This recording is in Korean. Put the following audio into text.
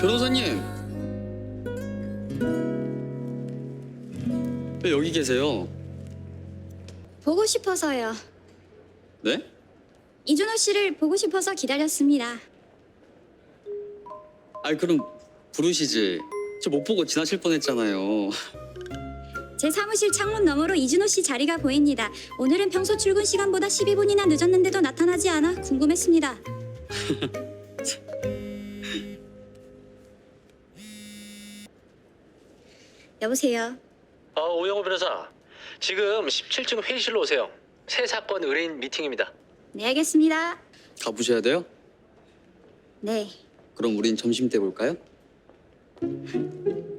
변호사님, 왜 여기 계세요? 보고 싶어서요. 네? 이준호 씨를 보고 싶어서 기다렸습니다. 아니 그럼 부르시지. 저 못 보고 지나칠 뻔했잖아요. 제 사무실 창문 너머로 이준호 씨 자리가 보입니다. 오늘은 평소 출근 시간보다 12분이나 늦었는데도 나타나지 않아 궁금했습니다. 여보세요. 오영호 변호사, 지금 17층 회의실로 오세요. 새 사건 의뢰인 미팅입니다. 네, 알겠습니다. 가보셔야 돼요? 네. 그럼 우린 점심 때 볼까요?